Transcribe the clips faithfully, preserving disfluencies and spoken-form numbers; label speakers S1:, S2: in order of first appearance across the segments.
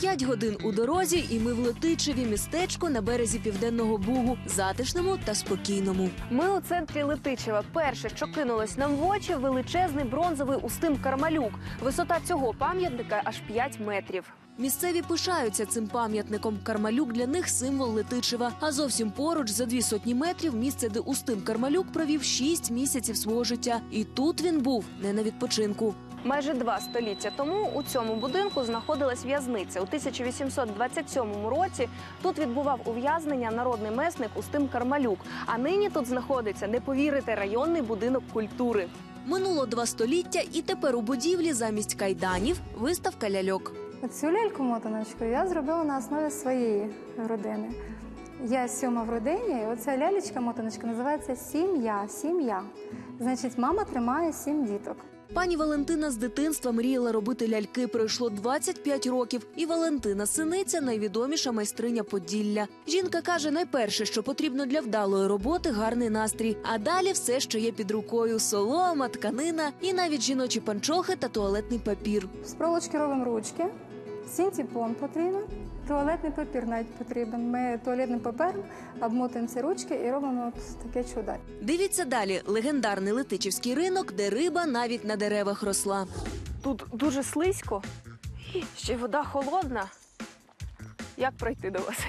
S1: П'ять годин у дорозі, і ми в Летичеві, містечку на березі Південного Бугу, затишному та спокійному. Ми у центрі Летичева. Перше, що кинулось нам в очі – величезний бронзовий Устим Кармалюк. Висота цього пам'ятника аж п'ять метрів. Місцеві пишаються цим пам'ятником. Кармалюк для них – символ Летичева. А зовсім поруч, за дві сотні метрів, місце, де Устим Кармалюк провів шість місяців свого життя. І тут він був не на відпочинку. Майже два століття тому у цьому будинку знаходилась в'язниця. У тисяча вісімсот двадцять сьомому році тут відбував ув'язнення народний месник Устим Кармалюк. А нині тут знаходиться, не повірите, районний будинок культури. Минуло два століття, і тепер у будівлі замість кайданів виставка ляльок.
S2: Цю ляльку-мотаночку я зробила на основі своєї родини. Я сьома в родині, і оця лялечка-мотаночка називається «Сім'я». Сім'я. Значить, мама тримає сім діток.
S1: Пані Валентина з дитинства мріяла робити ляльки. Пройшло двадцять п'ять років. І Валентина Синиця – найвідоміша майстриня Поділля. Жінка каже, найперше, що потрібно для вдалої роботи – гарний настрій. А далі все, що є під рукою – солома, тканина і навіть жіночі панчохи та туалетний папір.
S2: З проволочки робимо ручки, синтепон потрібен, туалетний папір навіть потрібен. Ми туалетним папером обмотуємо ці ручки і робимо от таке чудо.
S1: Дивіться далі. Легендарний Летичівський ринок, де риба навіть на деревах росла. Тут дуже слизько, ще й вода холодна. Як пройти до вас?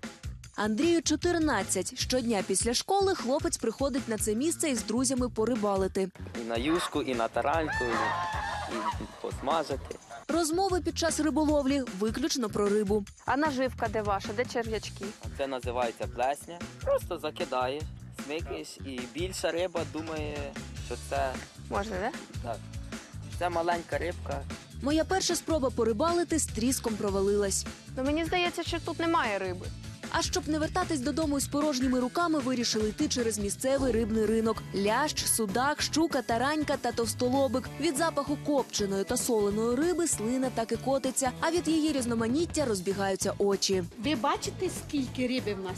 S1: Андрію чотирнадцять. Щодня після школи хлопець приходить на це місце із друзями порибалити.
S3: І на юшку, і на тараньку, і посмажити.
S1: Розмови під час риболовлі виключно про рибу. А наживка де ваша, де черв'ячки?
S3: Це називається плесня. Просто закидаєш, смикаєш, і більша риба думає, що це...
S1: Можна, не?
S3: Так. Це маленька рибка.
S1: Моя перша спроба порибалити з тріском провалилась. Ну, мені здається, що тут немає риби. А щоб не вертатись додому із порожніми руками, вирішили йти через місцевий рибний ринок. Лящ, судак, щука, таранька та товстолобик. Від запаху копченої та соленої риби слина так і котиться, а від її різноманіття розбігаються очі.
S4: Ви бачите, скільки риби в нас?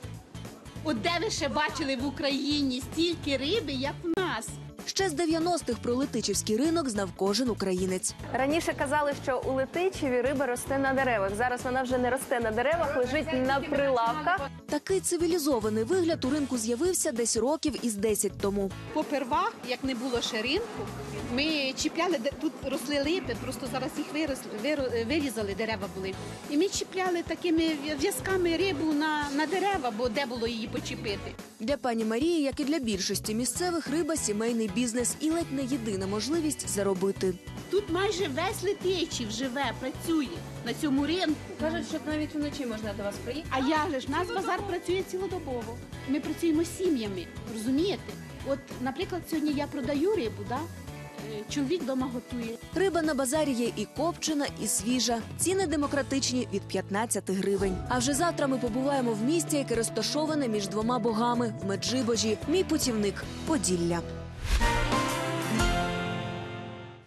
S4: От де ви ще бачили в Україні стільки риби, як в нас?
S1: Ще з дев'яностих про Летичівський ринок знав кожен українець. Раніше казали, що у Летичеві риба росте на деревах. Зараз вона вже не росте на деревах, лежить на прилавках. Такий цивілізований вигляд у ринку з'явився десь років із десять тому.
S4: Попервах, як не було ще ринку, ми чіпляли, де тут росли липи, просто зараз їх виросли, виро- вирізали, дерева були. І ми чіпляли такими в'язками рибу на, на дерева, бо де було її почепити.
S1: Для пані Марії, як і для більшості місцевих, риба – сімейний бізнес і ледь не єдина можливість заробити.
S4: Тут майже весь Летичів живе, працює на цьому ринку.
S1: Кажуть, що навіть вночі можна до вас приїхати.
S4: А як же ж, наш базар працює цілодобово. Ми працюємо з сім'ями, розумієте? От, наприклад, сьогодні я продаю рибу, да? Чоловік вдома готує.
S1: Риба на базарі є і копчена, і свіжа. Ціни демократичні – від п'ятнадцяти гривень. А вже завтра ми побуваємо в місті, яке розташоване між двома богами – в Меджибожі. Мій путівник – Поділля.